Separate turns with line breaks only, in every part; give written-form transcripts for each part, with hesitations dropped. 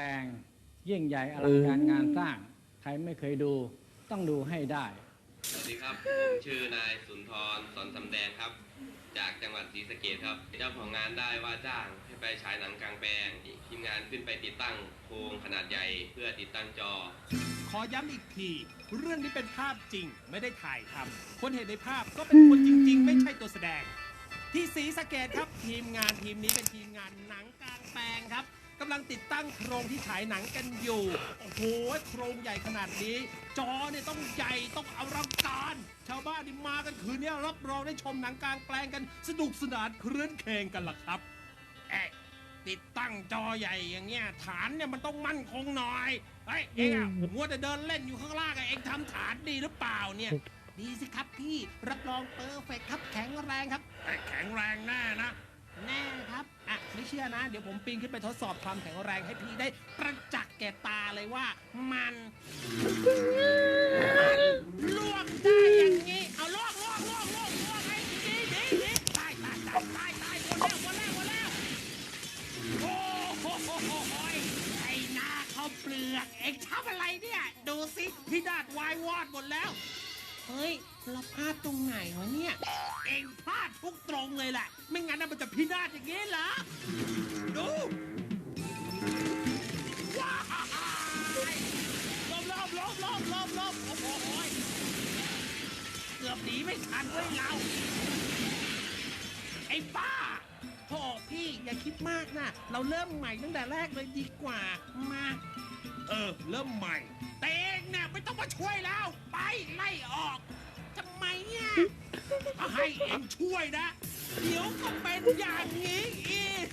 งยิ่งใหญ่อลังการงานสร้างใครไม่เคยดูต้องดูให้ได้
สวัสดีครับผมชื่อนายสุนทรสอนสำแดงครับจากจังหวัดศรีสะเกษครับเจ้าของงานได้ว่าจ้างให้ไปฉายหนังกลางแปลงทีมงานขึ้นไปติดตั้งโครงขนาดใหญ่เพื่อติดตั้งจอ
ขอย้ำอีกทีเรื่องนี้เป็นภาพจริงไม่ได้ถ่ายทำคนเห็นในภาพก็เป็นคนจริงๆไม่ใช่ตัวแสดงที่ศรีสะเกษครับทีมงานทีมนี้เป็นทีมงานหนังกลางแปลงครับกำลังติดตั้งโครงที่ฉายหนังกันอยู่โอ้โหโครงใหญ่ขนาดนี้จอเนี่ยต้องใหญ่ต้องอลังการชาวบ้านที่มากันคืนนี้รับรองได้ชมหนังกลางแปลงกันสนุกสนานครื้นเคงกันล่ะครับติดตั้งจอใหญ่อย่างเงี้ยฐานเนี่ยมันต้องมั่นคงหน่อยเฮ้ยเองอะมัวแต่เดินเล่นอยู่ข้างล่างเองทำฐานดีหรือเปล่าเนี่ยดีสิครับพี่รับรองเปอร์เฟกครับแข็งแรงครับแข็งแรงแน่นะแน่ครับไม่เชื่อนะเดี๋ยวผมปีนขึ้นไปทดสอบความแข็งแรงให้พี่ได้ประจักษ์แก่ตาเลยว่ามันลวกได้อย่างงี้เอาลวกให้ดีตายหมดแล้วโอ้โหไอ้หน้าข้าวเปลือกเอ็งทำอะไรเนี่ยดูสิพี่ดาดวายวอดหมดแล้วเฮ้ยเราพลาดตรงไหนวะเนี่ยเอ็งพลาดทุกตรงเลยแหละไม่งั้นมันจะพินาศอย่างงี้เหรอดูว้ายลบโอ้โหเกือบหนีไม่ทันเว้ยเราไอ้บ้าโธ่พี่อย่าคิดมากนะเราเริ่มใหม่ตั้งแต่แรกเลยดีกว่ามาเริ่มใหม่แต่เองเนี่ยไม่ต้องมาช่วยแล้วไปไล่ออกทำไมเนี่ยก็ให้เองช่วยนะเดี๋ยวก็เป็นอย่างนี้อีก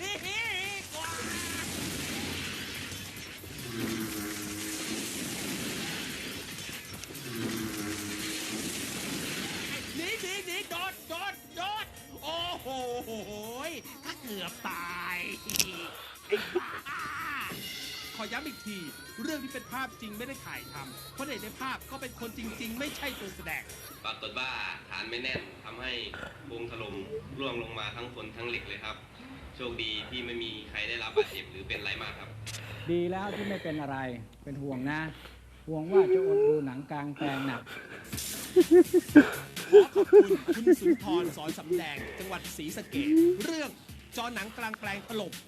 หนีโดดโอ้โหถ้าเกือบตายไอ้บ้าขอย้ำอีกทีเรื่องที่เป็นภาพจริงไม่ได้ถ่ายทำคนเห็นในภาพก็เป็นคนจริงๆไม่ใช่ตัวแสดง
ปรากฏว่าฐานไม่แน่นทำให้โครงถล่มร่วงลงมาทั้งคนทั้งเหล็กเลยครับโชคดีที่ไม่มีใครได้รับบาดเจ็บหรือเป็นไรมากครับ
ดีแล้วที่ไม่เป็นอะไรเป็นห่วงนะห่วงว่าจะอดดูหนังกลางแปลงหนัก
ขอขอบคุณคุณสุนทรสอนสำแดงจังหวัดศรีสะเกษเรื่องจอหนังกลางแปลงถล่ม